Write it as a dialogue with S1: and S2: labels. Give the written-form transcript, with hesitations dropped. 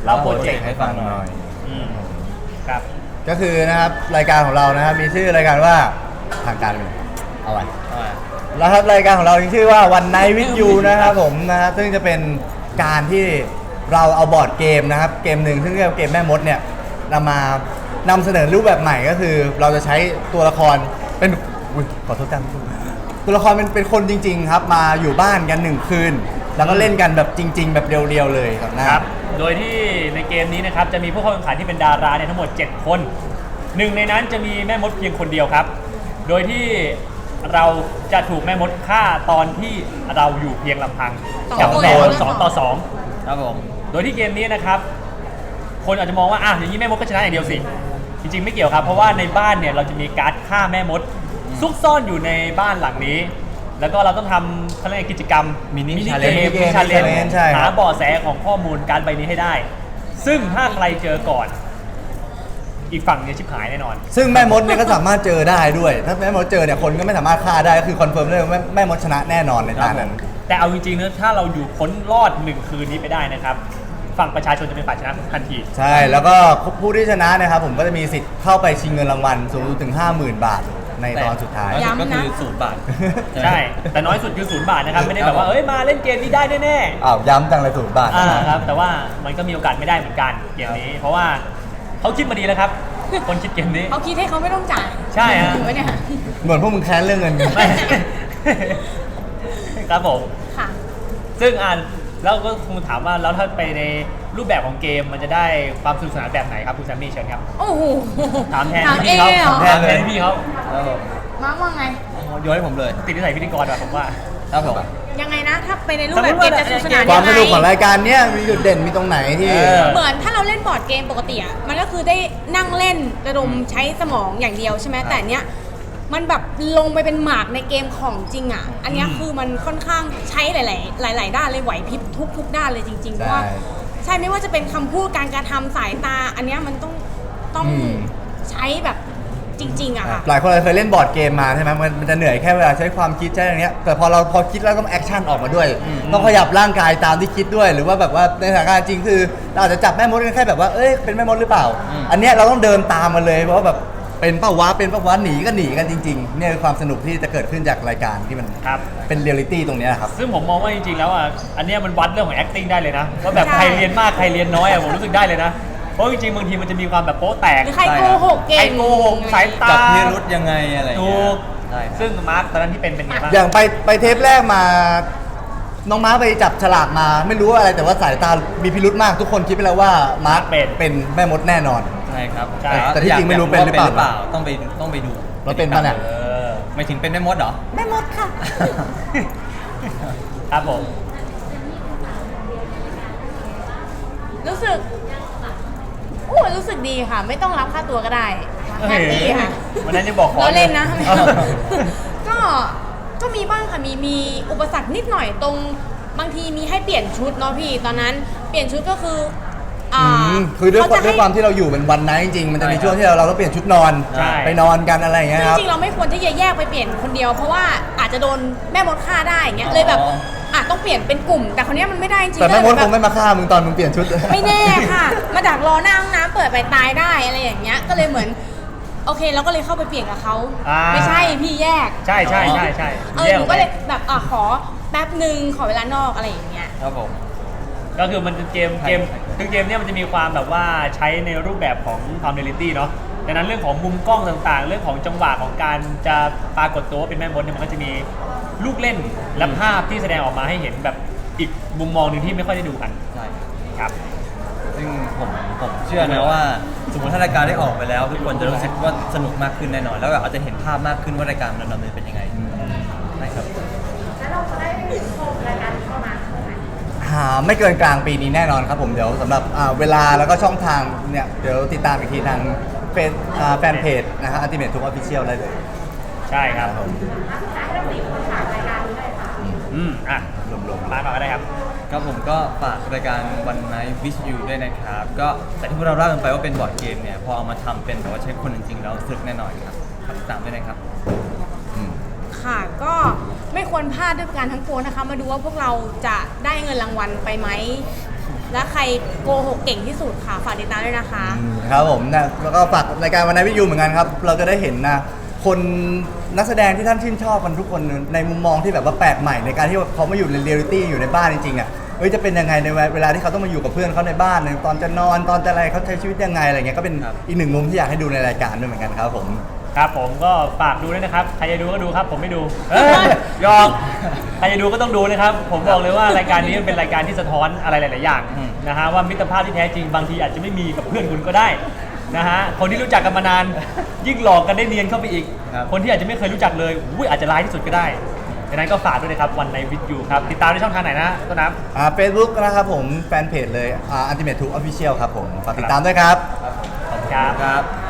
S1: เล่าโปรเจกต์ให้ฟังหน่อย
S2: ครับ
S3: ก็คือนะครับรายการของเรานะครับมีชื่อรายการว่าทางการเลยเอาไว้แล้วครับรายการของเราชื่อว่าวันไนท์วิดยูนะครับผมนะซึ่งจะเป็นการที่เราเอาบอร์ดเกมนะครับเกมหนึ่งซึ่งเรียกว่าเกมแม่มดเนี่ยนำเสนอรูปแบบใหม่ก็คือเราจะใช้ตัวละครเป็นขอโทษกันตัวละครเป็นคนจริงๆครับมาอยู่บ้านกัน1 คืนแล้วก็เล่นกันแบบจริงๆแบบเรียวๆเลยครับนะครับ
S2: โดยที่ในเกมนี้นะครับจะมีผู้เข้าแข่งขันที่เป็นดาราเนี่ยทั้งหมด7 คนหนึ่งในนั้นจะมีแม่มดเพียงคนเดียวครับโดยที่เราจะถูกแม่มดฆ่าตอนที่เราอยู่เพียงลำพังกับแม่มด2 ต่อ 2ครับผมโดยที่เกมนี้นะครับคนอาจจะมองว่าอย่างนี้แม่มดก็ชนะอย่างเดียวสิจริงๆไม่เกี่ยวครับเพราะว่าในบ้านเนี่ยเราจะมีการ์ดฆ่าแม่มดซุกซ่อนอยู่ในบ้านหลังนี้แล้วก็เราต้องทำเขาเรียกกิจกรรมมินิเกมชาเลนจ์หาเบาะแสของข้อมูลการใบนี้ให้ได้ซึ่งถ้าใครเจอก่อนอีกฝั่งเนี่ยชิบหายแน่นอน
S3: ซึ่งแม่มดเนี่ยก็สามารถเจอได้ด้วยถ้าแม่มดเจอเนี่ยคนก็ไม่สามารถฆ่าได้ก็คือคอนเฟิร์มได้ว่าแม่มดชนะแน่นอนในตอนนั้น
S2: แต่เอาจริงๆนะถ้าเราอยู่พ้นรอด1 คืนนี้ไปได้นะครับฝั่งประชาชนจะเป็นฝ่ายชนะทันที
S3: ใช่แล้วก็ผู้ที่ชนะนะครับผมก็จะมีสิทธิ์เข้าไปชิงเงินรางวัลสูงถึง 50,000 บาทในตอนสุดท้าย
S1: ก็คือ0 บาท
S2: ใช่แต่น้อยสุดคือ0 บาทนะครับไม่ได้แบบว่ามาเล่นเกมนี้ได้แน่
S3: ๆย้ำจังเลย0 บาท
S2: ครับแต่ว่ามันก็มีโอกาสไม่ได้เหมือนกันเกมนี้เพราะว่าเขาคิดมาดีแล้วครับคนคิดเกมนี้
S4: เขาคิดให้เขาไม่ต้องจ่าย
S2: ใช่ฮะ
S3: เหมือนพวกมึงแค้นเรื่องเงิน
S2: ครับผม
S4: ค่ะ
S2: ซึ่งแล้วก็คงถามว่าแล้วถ้าไปในรูปแบบของเกมมันจะได้ความสนุกสนานแบบไหนครับคุณแซมมี่เชิญครับ
S4: โอ้โห
S2: ถามแทนพี่เขา
S4: แ
S2: ทนพี่เขา
S4: มาร์คว่าไง
S1: โยนให้ผมเลย
S2: ติดนิสัยพิธีกรว่ะผมว่า
S1: ครับผม
S4: ยังไงนะถ้าไปในรูปแบบเกมจะสนุกสนาน
S3: ความสนุกของรายการเนี้ยมีจุดเด่นมีตรงไหนที่
S4: เหมือนถ้าเราเล่นบอร์ดเกมปกติอ่ะมันก็คือได้นั่งเล่นระดมใช้สมองอย่างเดียวใช่ไหมแต่เนี้ยมันแบบลงไปเป็นหมากในเกมของจริงอ่ะอันนี้คือมันค่อนข้างใช้หลายด้านเลยไหวพริบทุกด้านเลยจริงๆเพราะว่าใช่ไม่ว่าจะเป็นคำพูดการกระทำสายตาอันนี้มันต้องใช้แบบจริงๆอะค่ะ
S3: หลายคนเคยเล่นบอร์ดเกมมาใช่ไหมมันจะเหนื่อยแค่เวลาใช้ความคิดใช่อย่างเงี้ยแต่พอคิดแล้วต้องแอคชั่นออกมาด้วยต้องขยับร่างกายตามที่คิดด้วยหรือว่าแบบว่าในสถานการณ์จริงคือเราอาจจะจับแม่มดกันแค่แบบว่าเป็นแม่มดหรือเปล่าอันเนี้ยเราต้องเดินตามมันเลยเพราะว่าแบบเป็นป้าวะหนีกันจริงๆเนี่ยคือความสนุกที่จะเกิดขึ้นจากรายการที่มันเป็นเรียลลิตี้ตรงนี้ครับ
S2: ซึ่งผมมองว่าจริงๆแล้วอันนี้มันวัดเรื่องของ acting ได้เลยนะว่าแบบใครเรียนมากใครเรียนน้อยผมรู้สึกได้เลยนะเพราะจริงๆบางทีมันจะมีความแบบโป๊ะแตก
S4: หรือใครโกหกเก่งใคร
S2: โกหกสายตา
S1: จับพิรุธยังไงอะไร
S2: ถูกซึ่งมาร์คตอนนั้นที่เป็นไงบ้าง
S3: อย่างไปเทปแรกมาน้องม้าไปจับฉลากมาไม่รู้อะไรแต่ว่าสายตามีพิรุธมากทุกคนคิดไปแล้วว่ามาร์คเป็นแม่มดแน่นอน
S1: ใช่ครับ
S3: แต่ที่จริงไม่รู้เป็นหรือเปล่า
S1: ต้องไปดู
S3: เราเป็นป่ะเนี่ย
S1: ไม่ถึงเป็นแม่มดเหรอ
S4: แม่มดค่ะ
S2: ครับผม
S4: รู้สึกดีค่ะไม่ต้องรับค่าตัวก็ได้แฮปปี้ค่ะ
S2: วันนั้นจะบอกขอ
S4: เราเล่นนะก็มีบ้างค่ะมีอุปสรรคนิดหน่อยตรงบางทีมีให้เปลี่ยนชุดเนาะพี่ตอนนั้นเปลี่ยนชุดก็คือ
S3: คือด้วยความที่เราอยู่เป็นวันไนท์จริงๆมันจะมีช่วงที่เราต้องเปลี่ยนชุดนอนไปนอนกันอะไรอย่างเงี้ยครับ
S4: จริงๆเราไม่ควรที่จะแยกไปเปลี่ยนคนเดียวเพราะว่าอาจจะโดนแม่มดฆ่าได้อย่างเงี้ยเลยแบบต้องเปลี่ยนเป็นกลุ่มแต่คนนี้มันไม่ได้จริง
S3: แต่แม่มดคงไม่มาฆ่ามึงตอนมึงเปลี่ยนชุด
S4: ไม่แน่ค่ะมาดักรอหน้าห้องน้ำเปิดไปตายได้อะไรอย่างเงี้ยก็เลยเหมือนโอเคเราก็เลยเข้าไปเปลี่ยนกับเขาไม่ใช่พี่แยก
S2: ใช่
S4: หนูก็เลยแบบขอแป๊บนึงขอเวลานอกอะไรอย่างเงี้ย
S2: ครับผมก็คือมันเกมคือเกมเนี้ยมันจะมีความแบบว่าใช้ในรูปแบบของความเรียลลิตี้เนาะดังนั้นเรื่องของมุมกล้องต่างๆเรื่องของจังหวะของการจะปรากฏตัวว่าเป็นแม่มดเนี่ยมันก็จะมีลูกเล่นและภาพที่แสดงออกมาให้เห็นแบบอีกมุมมองหนึ่งที่ไม่ค่อยได้ดูกัน
S1: ใช่
S2: ครับ
S1: ซึ่งผมเชื่อนะว่าสมมติถ้ารายการได้ออกไปแล้วทุกคนจะรู้สึกว่าสนุกมากขึ้นแน่นอนแล้วอาจจะเห็นภาพมากขึ้นว่ารายการมันดำเนินเป็นยังไงใช่ครับ
S4: แล้วเราจะได้ชมรายการเข้ามา
S3: ไม่เกินกลางปีนี้แน่นอนครับผมเดี๋ยวสำหรับเวลาแล้วก็ช่องทางเนี่ยเดี๋ยวติดตามอีกทีทางแฟนเพจนะครับอัลติเมททุกออฟฟิเชียลได้เลย
S2: ใช่ครับ
S4: ให้เรา4 คนฝากรายการนี้เลยค่ะ
S2: รวมๆมาก็ได้ครับ
S1: ก็ผมก็ฝากรายการ One Night with You ด้วยนะครับก็แต่ที่พวกเราเล่ากันไปว่าเป็นบอร์ดเกมเนี่ยพอเอามาทำเป็นแบบว่าใช้คนจริงๆแล้วสนุกแน่นอนครับติดตามด้วยนะครับ
S4: ค่ะก็ไม่ควรพลาดด้วยการทั้งปวงนะคะมาดูว่าพวกเราจะได้เงินรางวัลไปไหมและใครโกหกเก่งที่สุดค่ะฝากติดตามด้วยนะคะ
S3: ครับผมนะแล้วก็ฝากรายการวันนี้วิทยุเหมือนกันครับ เราจะได้เห็นนะคนนักแสดงที่ท่านชื่นชอบกันทุกคนในมุมมองที่แบบว่าแปลกใหม่ในการที่เขามาอยู่ในเรียลิตี้อยู่ในบ้านจริงๆอ่ะจะเป็นยังไงในเวลาที่เขาต้องมาอยู่กับเพื่อนเขาในบ้านตอนจะนอนตอนจะอะไรเขาใช้ชีวิตยังไงอะไรเงี้ยก็เป็นอีกหนึ่งมุมที่อยากให้ดูในรายการด้วยเหมือนกันครับผม
S2: ครับผมก็ฝากดูด้วยนะครับใครจะดูก็ดูครับผมไม่ดูยอมใครจะดูก็ต้องดูนะครับผมบอกเลยว่ารายการนี้มันเป็นรายการที่สะท้อนอะไรหลายๆอย่างนะฮะว่ามิตรภาพที่แท้จริงบางทีอาจจะไม่มีกับเพื่อนคุณก็ได้นะฮะคนที่รู้จักกันมานานยิ่งหลอกกันได้เนียนเข้าไปอีก คนที่อาจจะไม่เคยรู้จักเลยอาจจะร้ายที่สุดก็ได้ดังนั้นก็ฝากด้วยนะครับวันในวิดยูครับติดตามในช่องทางไหนนะต้นน้ำ
S3: Facebook นะครับผมแฟนเพจเลยUltimate 2 Official ครับผมฝากติดตามด้วยครับ
S2: ขอบคุณครับ
S1: ครับ